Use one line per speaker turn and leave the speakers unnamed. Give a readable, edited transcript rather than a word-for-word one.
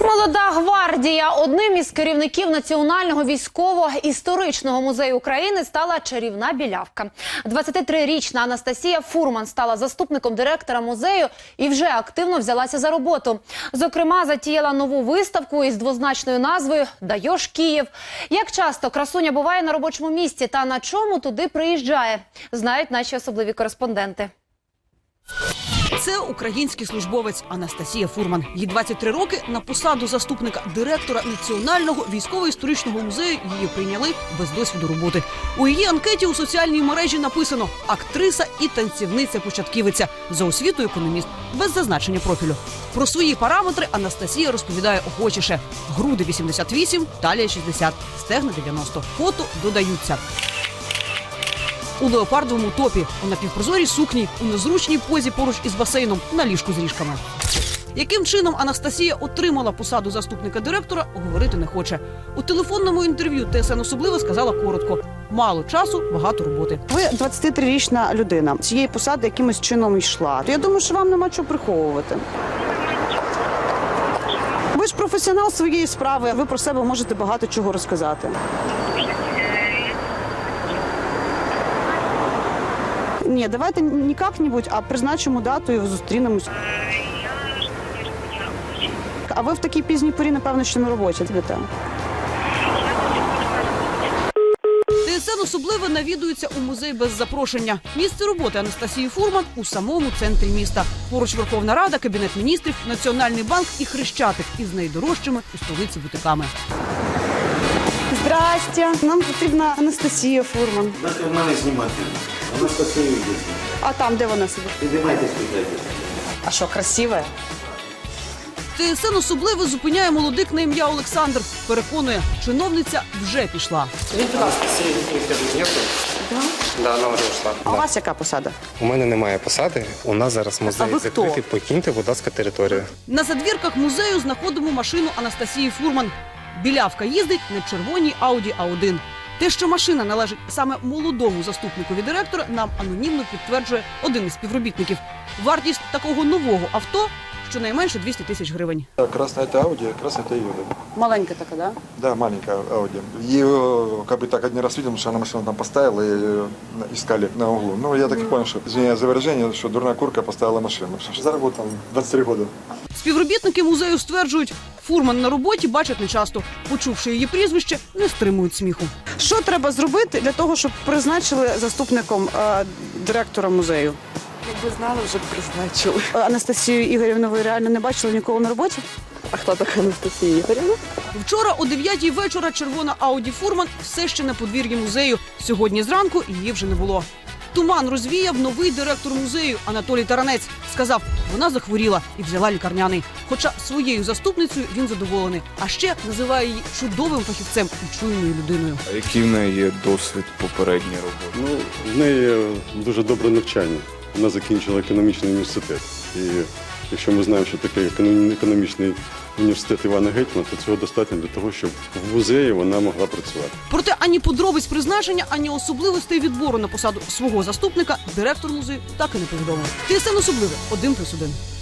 Молода гвардія. Одним із керівників Національного військово-історичного музею України стала чарівна білявка. 23-річна Анастасія Фурман стала заступником директора музею і вже активно взялася за роботу. Зокрема, затіяла нову виставку із двозначною назвою «Даєш Київ». Як часто красуня буває на робочому місці та на чому туди приїжджає, знають наші особливі кореспонденти.
Це український службовець Анастасія Фурман. Їй 23 роки. На посаду заступника директора Національного військово-історичного музею її прийняли без досвіду роботи. У її анкеті у соціальній мережі написано «актриса і танцівниця-початківиця», за освітою економіст, без зазначення профілю. Про свої параметри Анастасія розповідає охочіше. Груди 88, талія 60, стегна 90. Фото додаються. У леопардовому топі, у напівпрозорій сукні, у незручній позі поруч із басейном, на ліжку з ріжками. Яким чином Анастасія отримала посаду заступника директора, говорити не хоче. У телефонному інтерв'ю ТСН особливо сказала коротко: мало часу, багато роботи.
Ви 23-річна людина. Цієї посади якимось чином йшла. Я думаю, що вам нема чого приховувати. Ви ж професіонал своєї справи, ви про себе можете багато чого розказати. Ні, давайте не як-небудь, а призначимо дату і зустрінемось. А ви в такій пізній порі, напевно, ще на роботі.
ТСН особливо навідується у музей без запрошення. Місце роботи Анастасії Фурман у самому центрі міста. Поруч Верховна Рада, Кабінет міністрів, Національний банк і Хрещатик із найдорожчими у столиці бутиками.
Здрасте. Нам потрібна Анастасія Фурман.
Дайте в мене знімати. Анастасія йде.
А там, де вона сидить?
Підіймайтесь туди.
А що, красиве?
ТСН особливо зупиняє молодик на ім'я Олександр. Переконує, чиновниця вже пішла.
Анастасии нету? Да, она уже ушла.
А у вас яка посада?
У мене немає посади. У нас зараз
А
музей
ви хто?
закритий. Покиньте, будь ласка, територію.
На задвірках музею знаходимо машину Анастасії Фурман. Білявка їздить на червоній Audi A1. Те, що машина належить саме молодому заступникові директора, нам анонімно підтверджує один із співробітників. Вартість такого нового авто – щонайменше 200 тисяч гривень.
Красная это Audi, красная это Юда.
Маленька така, да?
Да, маленькая Audi. Ее как бы так один раз видел, потому что она машину там поставила и искали на углу. Ну, я так и понял, что, извиняюсь за выражение, что дурная курка поставила машину. Потому что зараз там 23 года.
Співробітники музею стверджують, Фурман на роботі бачать нечасто. Почувши її прізвище, не стримують сміху.
Що треба зробити для того, щоб призначили заступником директора музею?
Якби знали, вже б призначили.
Анастасію Ігорівну ви реально не бачили ніколи на роботі?
А хто така Анастасія Ігорівна?
Вчора о 9-й вечора червона Audi Фурман все ще на подвір'ї музею. Сьогодні зранку її вже не було. Туман розвіяв новий директор музею Анатолій Таранець. Сказав, вона захворіла і взяла лікарняний. Хоча своєю заступницею він задоволений. А ще називає її чудовим фахівцем і чуйною людиною.
А який в неї є досвід попередньої роботи?
В неї дуже добре навчання. Вона закінчила економічний університет. І якщо ми знаємо, що таке економічний університет Івана Гетьмана, то цього достатньо для того, щоб в музеї вона могла працювати.
Проте ані подробиць призначення, ані особливостей відбору на посаду свого заступника директор музею так і не повідомив. ТСН особливе 1+1.